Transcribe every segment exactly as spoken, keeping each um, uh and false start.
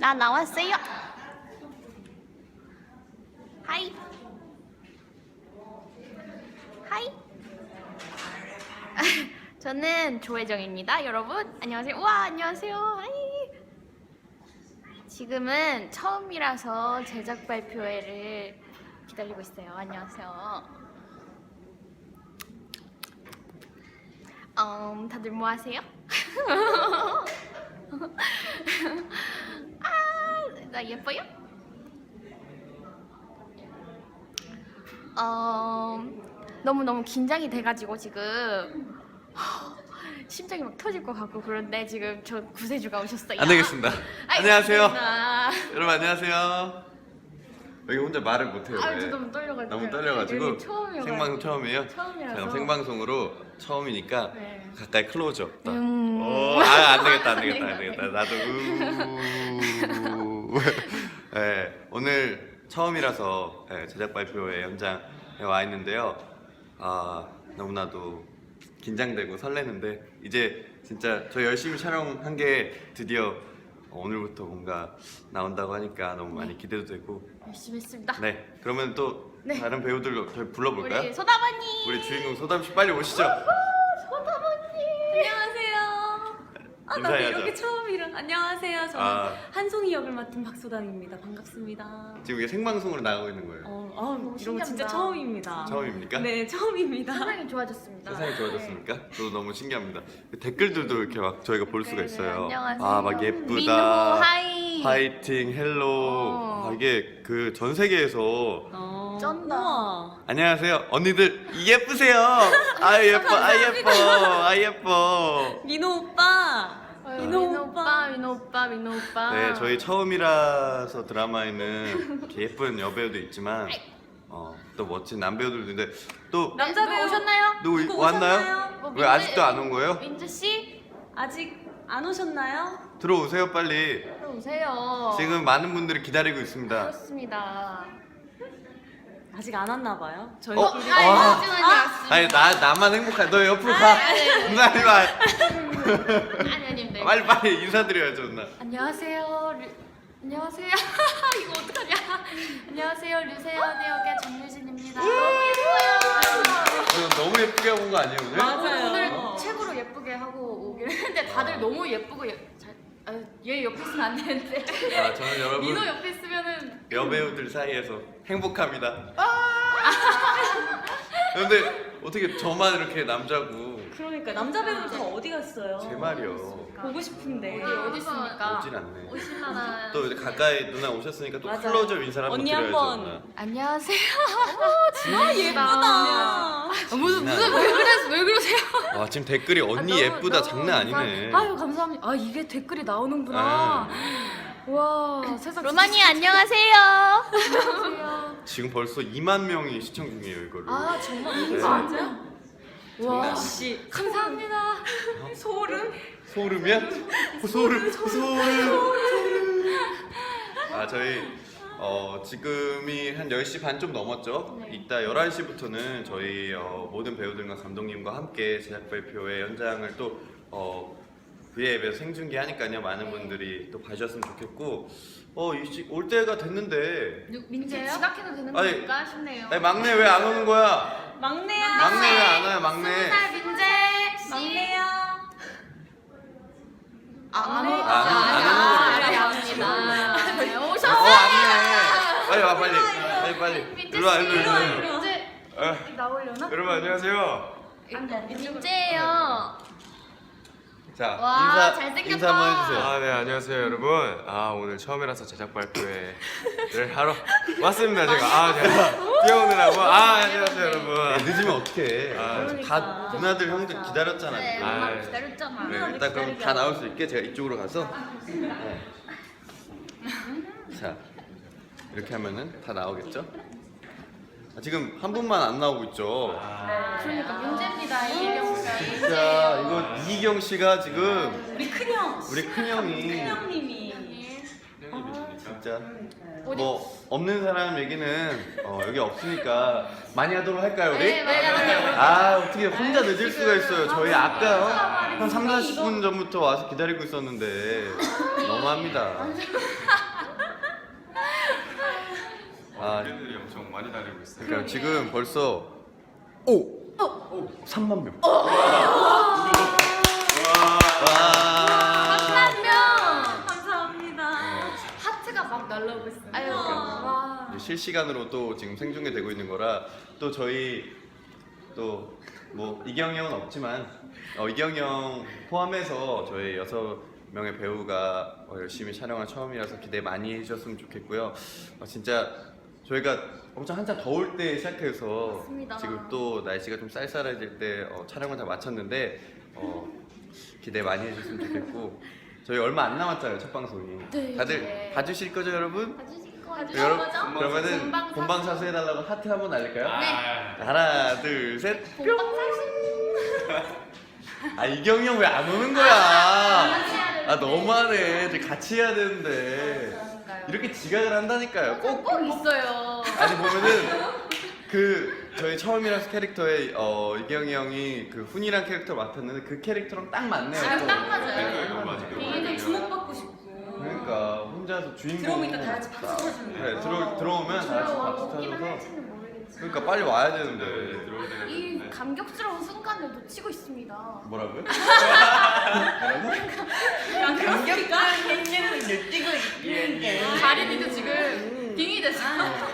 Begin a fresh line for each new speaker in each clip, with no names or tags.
나 나왔어요. 하이. 하이. 저는 조혜정입니다. 여러분 안녕하세요. 우와 안녕하세요. 하이. 지금은 처음이라서 제작 발표회를 기다리고 있어요. 안녕하세요. 음, 다들 뭐 하세요? 아, 나 예뻐요? 어, 너무너무 긴장이 돼가지고 지금 심장이 막 터질 것 같고 그런데 지금 저 구세주가 오셨어요.
안 되겠습니다.
아이,
안녕하세요.
반갑습니다.
여러분 안녕하세요. 여기 혼자 말을 못해요.
아,
왜?
저 너무 떨려가지고.
너무 떨려가지고.
여기 처음이어가지고.
생방송 처음이에요?
처음이라서.
자, 그럼 생방송으로 처음이니까
네.
가까이 클로즈업.
음.
오, 아, 안 되겠다, 안 되겠다, 안 되겠다. 나도 우. 네, 오늘 처음이라서 네, 제작 발표회 현장에 와 있는데요. 아, 너무나도 긴장되고 설레는데 이제 진짜 저 열심히 촬영한 게 드디어 오늘부터 뭔가 나온다고 하니까 너무 많이 기대도 되고.
열심히 했습니다.
네, 그러면 또
네.
다른 배우들로 저희 불러볼까요?
우리 소다바니.
우리 주인공 소담 씨 빨리 오시죠.
소다바니.
안녕하세요. 아, 나도
인사해야죠.
이렇게 처음이라. 안녕하세요. 저는
아.
한송이 역을 맡은 박소담입니다. 반갑습니다.
지금 이게 생방송으로 나가고 있는 거예요.
어, 아, 이런 거
신기하다.
진짜 처음입니다.
처음입니까?
네, 처음입니다.
세상이 좋아졌습니다.
세상이 좋아졌습니까? 저도 너무 신기합니다. 댓글들도 이렇게 막 저희가 볼 수가
네,
있어요.
안녕하세요.
아, 막
민호
예쁘다.
하이.
파이팅, 헬로.
어.
아, 이게 그 전 세계에서
어,
쩐다.
우와.
안녕하세요. 언니들 예쁘세요. 아 예뻐. 아 예뻐. 아 예뻐.
민호 오빠.
아유,
민호
민호
오빠.
오빠, 민호 오빠, 민호 오빠.
네, 저희 처음이라서 드라마에는 이렇게 예쁜 여배우도 있지만 어, 또 멋진 남배우들도 있는데 또
남자
누구
배우
오셨나요?
누구
누구
왔나요?
오셨나요?
뭐
왜 아직도 안 온 거예요?
민주 씨
아직 안 오셨나요?
들어오세요 빨리.
들어오세요.
지금 많은 분들이 기다리고 있습니다.
그렇습니다.
아직 안 왔나 봐요.
어?
저희끼리.
아이,
와.
잠시만요. 왔습니다.
아니 나 나만 행복해. 너 옆으로 가. 누나 말.
아니 아니 네.
빨리 빨리 인사드려야죠 누나.
안녕하세요. 류... 안녕하세요. 이거 어떡하냐? 안녕하세요. 류세연의 역의 정유진입니다. 너무 예뻐요.
저 너무 예쁘게 하고 온 거 아니에요 오늘?
맞아요.
오늘 최고로 예쁘게 하고 오긴 했는데 다들 너무 예쁘고 예... 잘... 아, 얘 옆에 있으면 안 되는데.
아 저는 여러분
민호 옆에 있으면은
여배우들 사이에서 행복합니다. 근데 어떻게 저만 이렇게 남자고?
그러니까 남자 배우들 다 어디 갔어요?
제 말이요.
보고 싶은데.
어디 어디 있습니까?
오진 않네.
오실만한.
또 이제 가까이 누나 오셨으니까 또
맞아요.
클로즈업 인사를 한번
언니
드려야죠.
한번.
누나.
안녕하세요.
아, 예쁘다.
아, 무슨 무슨 왜 그래 왜 그러세요?
와 지금 댓글이 언니
아, 너무,
예쁘다
너무
장난 아니네.
감사- 아유 감사합니다. 아 이게 댓글이 나오는구나. 와 세상. 로마니 안녕하세요. 안녕하세요.
지금 벌써 이만 명이 시청 중이에요 이거를.
아 정말
네.
진짜? 와
역시
감사합니다.
소름.
소름이야? 소름 소름. 아 저희 어, 지금이 한 열 시 반 좀 넘었죠?
네.
이따 열한 시부터는 저희 어, 모든 배우들과 감독님과 함께 제작 발표회 현장을 또 어, V앱에서 생중계하니까요. 많은
네.
분들이 또 봐주셨으면 좋겠고 어, 이 시, 올 때가 됐는데
누- 민재요? 지각해도 되는
아니,
겁니까 싶네요.
아니, 막내 왜 안 오는 거야?
막내야.
막내 왜 안 와요 막내?
스무 살 민재 씨.
막내야.
안
네.
오고
아, 안 오는
알겠습니다. 네,
어
오셨어요.
왔네. 빨리 와 빨리 빨리 빨리
민재
일로 와
씨.
일로 일로 일로.
민재
어,
나오려나?
여러분 안녕하세요.
민재예요.
자
와,
인사
잘생겼다.
인사 한번 해주세요.
아, 네, 안녕하세요, 여러분. 아, 오늘 처음이라서 제작 발표회를 하러 왔습니다, 제가. 아, 제가 뛰어오느라고. 아, 안녕하세요,
야,
여러분.
늦으면 어떡해.
아,
다 누나들 형들 기다렸잖아.
네,
지금.
엄마
아,
기다렸잖아.
네,
누나들
일단 그럼
기다리게
다 나올 수 있게 제가 이쪽으로 가서 네. 자 이렇게 하면은 다 나오겠죠? 아, 지금 한 분만 안 나오고 있죠?
그러니까 민재입니다. 이혜경 씨가.
진짜 이거 이희경 씨가 지금
우리 큰형.
우리 큰형이
큰형님이.
진짜 뭐 없는 사람 얘기는 어, 여기 없으니까 많이 하도록 할까요 우리?
네, 많이 하도록.
아 어떻게 혼자 늦을 수가 있어요. 저희 아까요 한 삼, 사십 분 전부터 와서 기다리고 있었는데 너무합니다.
많이 달리고 있어요.
그러니까 지금 벌써 오 삼만 명.
삼만 명.
감사합니다.
하트가 막 날라오고 있어요. 아유,
그러니까.
와.
이제 실시간으로 또 지금 생중계되고 있는 거라 또 저희 또 뭐 이경이 형은 없지만 어, 이경이 형 포함해서 저희 여섯 명의 배우가 어, 열심히 촬영한 처음이라서 기대 많이 해주셨으면 좋겠고요. 어, 진짜 저희가 엄청 한참 더울 때 시작해서
맞습니다.
지금 또 날씨가 좀 쌀쌀해질 때 어, 촬영을 다 마쳤는데 어, 기대 많이 해주셨으면 좋겠고 저희 얼마 안 남았잖아요 첫 방송이.
네,
다들
네.
봐주실 거죠 여러분?
봐주실 거
여러분
거죠?
그러면은
본방사수.
본방사수 해달라고 하트 한번 날릴까요?
네.
하나 둘 셋.
본방사수.
아 이경이 형 왜 안 오는 거야? 아 너무하네. 이제 같이 해야 되는데 이렇게 지각을 한다니까요. 꼭
꼭 있어요.
아니 보면은 그 저희 처음이라서 캐릭터에 어 이경이 형이 그 훈이란 캐릭터 맡았는데 그 캐릭터랑 딱 맞네요.
아,
또.
딱 맞아요.
그러니까 이거 맞아.
되게 주목받고 싶고.
그러니까 혼자서 주인공.
들어오면 이따 다 같이 박수 쳐주는
그래
거.
들어 들어오면 다 같이 박수
오기만
쳐줘서.
할지는 모르겠지만
그러니까 빨리 와야
네,
되는데.
들어올 때가
이
됐는데.
감격스러운 순간을 놓치고 있습니다.
뭐라고요?
감격과
가린이도 지금 빙이 됐어.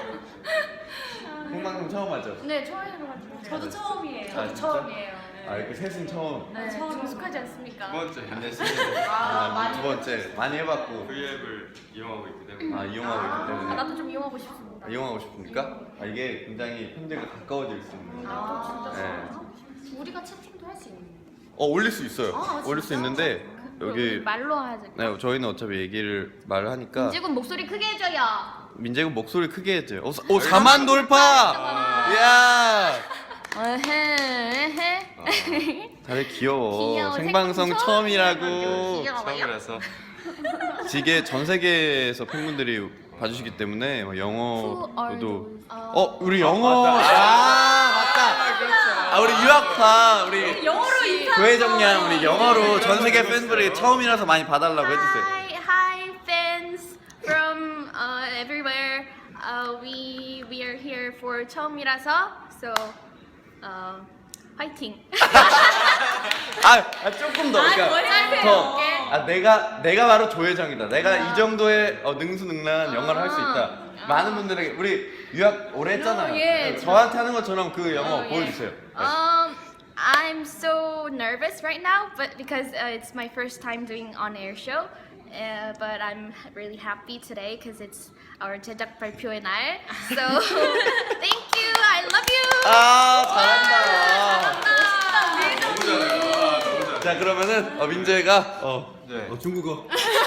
생방송 처음 하죠?
네, 처음 해봐가지고.
저도 처음이에요.
아, 진짜?
처음이에요.
아 이렇게 셋은 처음.
네,
처음.
좀 익숙하지 않습니까?
두 번째
아, 두 번째 많이 해봤고.
V앱을 이용하고 있기 때문에.
아 이용하고 있기
아,
때문에.
나도 좀 이용하고 싶습니다.
아, 이용하고 싶습니까? 아 이게 굉장히 팬들과 가까워질 수 있는.
아, 진짜
네.
좋아. 우리가 채팅도 할 수 있는.
어 올릴 수 있어요.
아,
올릴 수
진짜?
있는데
우리
여기
말로 해야지.
네 저희는 어차피 얘기를 말을 하니까
민지군 목소리 크게 해줘요.
민재군 목소리 크게 했죠. 오, 사- 오 사만 돌파! 야
에헤, 에헤.
다들 귀여워.
귀여워.
생방송
생방송
처음이라고.
귀여워요.
처음이라서.
이게 전 세계에서 팬분들이 봐주시기 때문에 뭐
Who are
영어로도
those? 아.
어 우리 영어 아 맞다 아 우리 유학파 우리
영어로 인사.
조혜정양 우리 영어로 전 세계 팬분들이 처음이라서 많이 봐달라고 해주세요.
Hi, hi, fans from uh, everywhere. Uh, we we are here for 처음이라서, so uh, 화이팅.
아, 아 조금 더 그러니까
뭐라고요?
더. 아 내가 내가 바로 조혜정이다. 내가 이 정도의 어, 능수능란한 영어를 할 수 있다.
아.
많은 분들에게 우리 유학 오래 했잖아요.
예,
저한테 하는 것처럼 그 영어
어, 예.
보여주세요. 네.
Um, I'm so nervous right now, but because uh, it's my first time doing on-air show. Uh, but I'm really happy today because it's our 제작 발표의 날. So thank you. I love you.
아 잘한다.
잘한다.
너무 잘해요. 아, 너무 잘해요.
자 그러면은 어, 민재가 어,
네.
어, 중국어.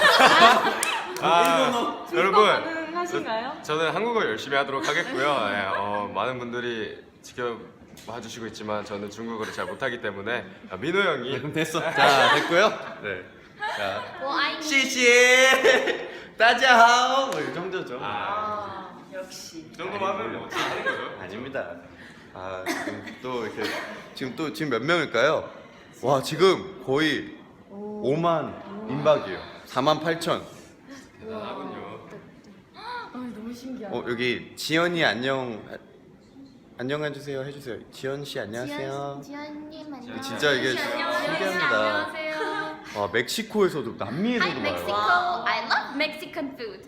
아, 여러분.
가능하신가요?
저는 한국어 열심히 하도록 하겠고요. 예, 어, 많은 분들이 지켜봐 주시고 있지만 저는 중국어를 잘 못하기 때문에 아, 민호 형이
그럼 됐어. 자 됐고요. 네. 자
Well, I
시시 따자하오 뭐 이 정도죠.
아,
아, 역시.
이 정도만 하면 뭐 어떻게 하는 거죠?
아닙니다. 아 지금 또 이렇게 지금 또 지금 몇 명일까요? 와 지금 거의 오만 임박이에요. 사만 팔천.
대단하군요.
아, 너무 신기하다.
어 여기 지연이 안녕 안녕해 주세요 해주세요. 지연 씨 안녕하세요.
지연님 안녕.
진짜 이게 신기합니다.
안녕하세요.
와 멕시코에서도
Hi
남미에서도
Mexico.
봐요.
I love Mexican food.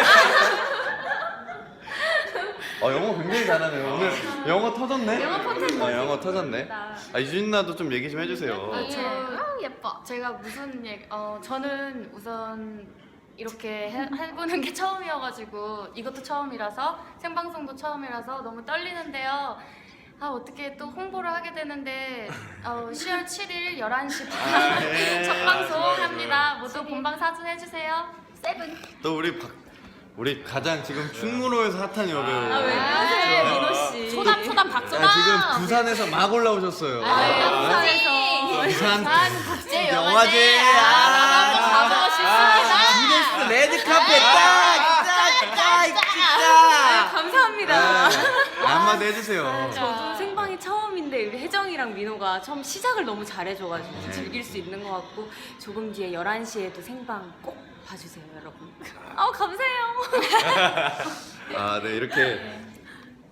어 영어 굉장히 잘하네요. 오늘 영어 터졌네.
영어 터졌네.
어, 영어 터졌네. 아 유진 나도 좀 얘기 좀 해주세요.
아, 저 아, 예뻐.
제가 무슨 얘기, 어, 저는 우선 이렇게 해, 해보는 게 처음이어가지고 이것도 처음이라서 생방송도 처음이라서 너무 떨리는데요. 아 어떻게 또 홍보를 하게 되는데 어, 시월 칠일 열한 시 반
아, 예.
첫 방송 합니다. 모두 본방 사수 해주세요.
세븐.
또 우리 박 우리 가장 지금 충무로에서 핫한 여배우.
아, 왜 그러세요,
아,
민호 씨?
소담 소담 박소담.
아, 지금 부산에서 막 올라오셨어요.
아,
부산에서
부산
국제
영화제.
아, 가보고 싶습니다.
기네스 레드카펫 딱, 딱, 딱, 진짜.
감사합니다.
한마디 해주세요.
저도 생방이 처음인데 우리 혜정이랑 민호가 처음 시작을 너무 잘해줘가지고
네.
즐길 수 있는 것 같고 조금 뒤에 열한 시에도 생방 꼭 봐주세요, 여러분. 아 감사해요.
아, 네 이렇게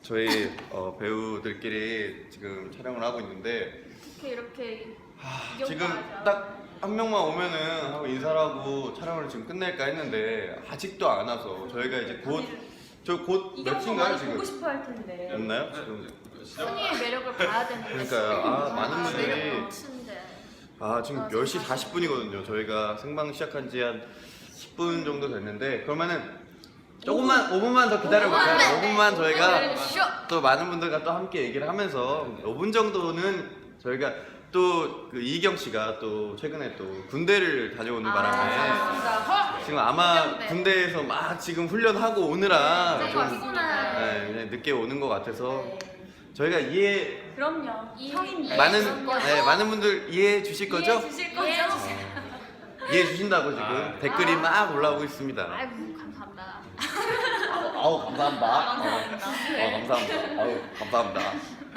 저희 어, 배우들끼리 지금 촬영을 하고 있는데
어떻게 이렇게
하,
이경까지
지금
하고.
딱 한 명만 오면은 하고 인사를 하고 촬영을 지금 끝낼까 했는데 아직도 안 와서 저희가 이제 곧 저 곧 몇인가요 지금?
보고 싶어 할 텐데.
였나요? 지금
순이의 매력을 봐야 되는데.
그러니까요. 아, 많은 분들이-
매력 넘치는데.
아 지금
아,
열 시 사십 분이거든요. 저희가 생방 시작한 지 한 십 분 정도 됐는데 그러면은 조금만 오 분만 더 기다려볼까요? 오 분만 저희가
쇼!
또 많은 분들과 또 함께 얘기를 하면서 오 분 정도는 저희가 또 그 이희경 씨가 또 최근에 또 군대를 다녀오는 바람에
맞습니다.
지금 아마
훈련대.
군대에서 막 지금 훈련하고 오느라
네,
좀
피곤한.
네, 그냥 늦게 오는 것 같아서 저희가 이해
그럼요.
이-
형입니다.
많은
이해해 거죠?
네, 많은 분들 이해해 주실 거죠?
이해해 주실 거죠?
이해해 주세요.
이해해 주신다고 지금
아.
댓글이 막 올라오고 있습니다.
아이고 감사합니다.
아우 감사합니다.
감사합니다.
어, 감사합니다. 아우 감사합니다.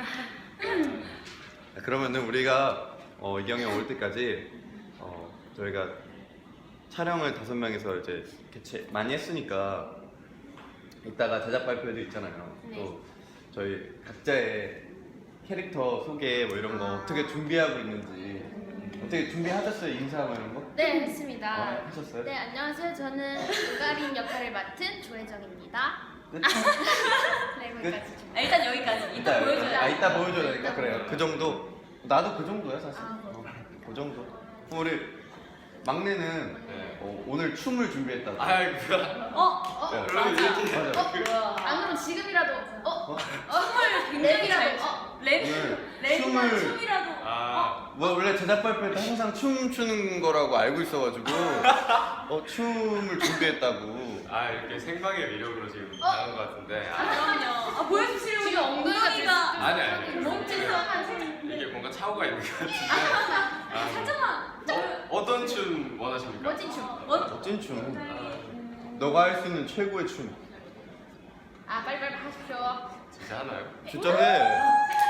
그러면은 우리가 어, 이경이 올 때까지 어, 저희가 촬영을 다섯 명이서 이제 개최 많이 했으니까 이따가 제작 발표도 있잖아요.
네.
또 저희 각자의 캐릭터 소개 뭐 이런 거
아.
어떻게 준비하고 있는지 어떻게 준비하셨어요? 인사 뭐 이런 거?
네, 했습니다.
아, 하셨어요?
네, 안녕하세요. 저는 우가린 역할을 맡은 조혜정입니다.
끝?
네, 거기까지.
아, 일단 여기까지. 이따
이따
보여줘야
아 이따 보여줘야
이따
되니까 그래요. 그 정도. 나도 그 정도야 사실.
아,
어, 그 정도. 그럼 우리 막내는
네.
어, 오늘 춤을 준비했다고.
아이고야.
어?
어,
네.
그러면 이렇게
맞아.
어? 안 그러면 지금이라도 어?
어?
어?
굉장히 잘
랩이라도 어?
랩?
오늘
랩이나
춤을-
춤이라도.
아,
뭐 원래 제작 발표할 때 항상 춤 추는 거라고 알고 있어가지고 어 춤을 준비했다고.
아 이렇게 생방의 위력으로 지금
어?
나온 것 같은데.
아,
아,
그럼요. 아, 보여주시려고
지금 엉덩이가 지금
아니 아니.
몸짓을
이게 뭔가 차오가 있는 것 같은데. 아,
살짝만.
어, 어떤 춤 원하십니까?
멋진 춤.
멋진 춤. 너가 할 수 있는 최고의 춤.
아, 빨리빨리 하십시오.
진짜 하나요?
진짜 해.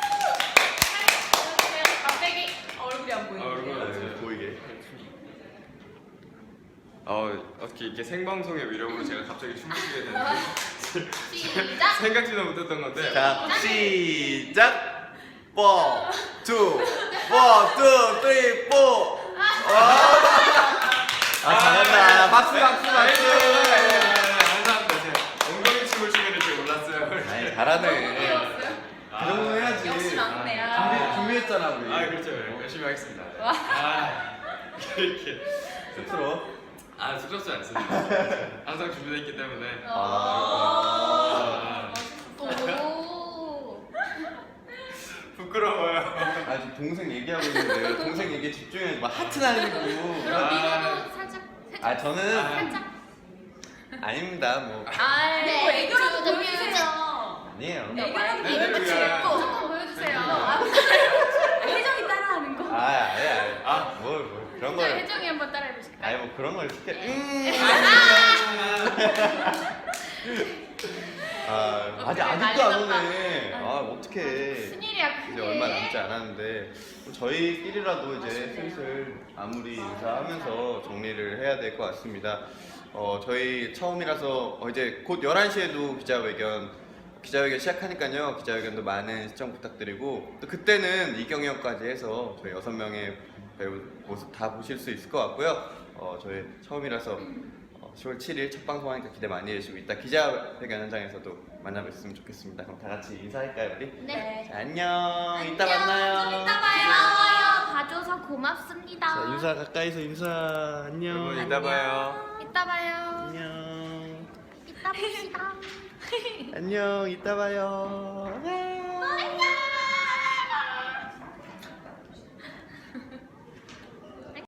막대기.
얼굴이 안
아,
보이는데.
얼굴
네, 보이게.
어 어떻게 이렇게 생방송의 위력으로 제가 갑자기 춤을 추게 되는지
시작.
생각지도 못했던 건데.
자 시작. four, two, one, two, three, four. 아 잘한다. 박수 박수 박수.
감사합니다. 제가 엉덩이 춤을 추게 될 줄 몰랐어요.
아니 잘하네. 그 정도 해야지.
역시 막내야.
준비 준비했잖아 우리.
아 그렇죠. 열심히 하겠습니다. 아 이렇게
스스로.
아 쑥스럽지 않습니다. 항상 준비되어 있기 때문에.
아.
아,
오.
부끄러워요.
아 지금 동생 얘기하고 있는데요. 동생 얘기에 집중해야지. 막 하트 날리고.
그럼
아.
민호도 살짝 살짝
아 저는
살짝.
아닙니다. 뭐
아,
네,
뭐 애교라도
저
보여주세요.
아니에요.
애교라도
네,
보여주세요.
네,
또
조금 보여주세요.
혜정이 따라하는 거.
아 아니 아니. 아뭘 뭐, 그런
자,
걸.
혜정이 한번 따라해 보실까요?
아니 뭐 그런 걸 시켜. 음. 아 아직 아직도 안 오네. 아 어떡해.
순일이야 그게.
이제 얼마 남지 않았는데 저희끼리라도 이제 슬슬 마무리 인사하면서 정리를 해야 될 것 같습니다. 어, 저희 처음이라서 어, 이제 곧 열한 시에도 기자회견 기자회견 시작하니까요. 기자회견도 많은 시청 부탁드리고 또 그때는 이경이 형까지 해서 저희 여섯 명의 배우 모습 다 보실 수 있을 것 같고요. 어, 저희 처음이라서 어, 시월 칠일 첫 방송하니까 기대 많이 해주시고 이따 기자회견 현장에서도 만나뵀으면 좋겠습니다. 그럼 다 같이 인사할까요 우리?
네.
자, 안녕. 이따 만나요.
좀 이따 봐요.
고마워요. 봐줘서 고맙습니다.
자, 인사 가까이서 인사. 안녕.
여러분 이따 봐요.
이따 봐요.
안녕.
이따 봅시다.
안녕. 이따 봐요.